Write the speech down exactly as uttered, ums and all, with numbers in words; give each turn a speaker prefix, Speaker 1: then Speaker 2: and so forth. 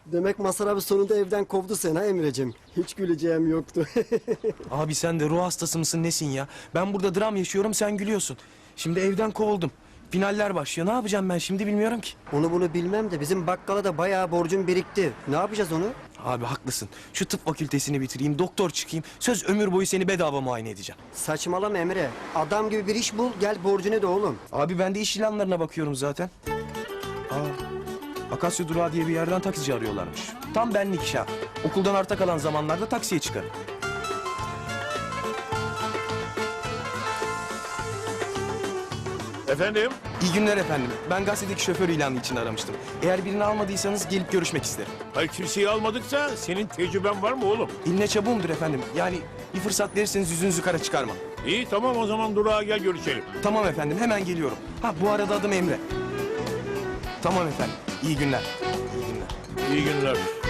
Speaker 1: Demek Mazhar abi sonunda evden kovdu seni ha Emre'cim. Hiç güleceğim yoktu.
Speaker 2: Abi sen de ruh hastası mısın nesin ya? Ben burada dram yaşıyorum, sen gülüyorsun. Şimdi evden kovuldum. Finaller başlıyor. Ne yapacağım ben şimdi bilmiyorum ki.
Speaker 1: Onu bunu bilmem de bizim bakkala da bayağı borcum birikti. Ne yapacağız onu?
Speaker 2: Abi haklısın. Şu tıp fakültesini bitireyim, doktor çıkayım. Söz ömür boyu seni bedava muayene edeceğim.
Speaker 1: Saçmalama Emre. Adam gibi bir iş bul, gel borcunu da oğlum.
Speaker 2: Abi ben de iş ilanlarına bakıyorum zaten. Aa, Akasya Durağı diye bir yerden taksici arıyorlarmış. Tam benlik iş ha. Okuldan arta kalan zamanlarda taksiye çıkarım.
Speaker 3: Efendim?
Speaker 2: İyi günler efendim. Ben gazetedeki şoför ilanı için aramıştım. Eğer birini almadıysanız gelip görüşmek isterim.
Speaker 3: Hayır, kimseyi almadıksa senin tecrüben var mı oğlum?
Speaker 2: İlne çabuğumdur efendim. Yani bir fırsat verirseniz yüzünüzü kara çıkarmam.
Speaker 3: İyi, tamam, o zaman durağa gel görüşelim.
Speaker 2: Tamam efendim, hemen geliyorum. Ha, bu arada adım Emre. Tamam efendim, iyi günler. İyi günler.
Speaker 3: İyi günler.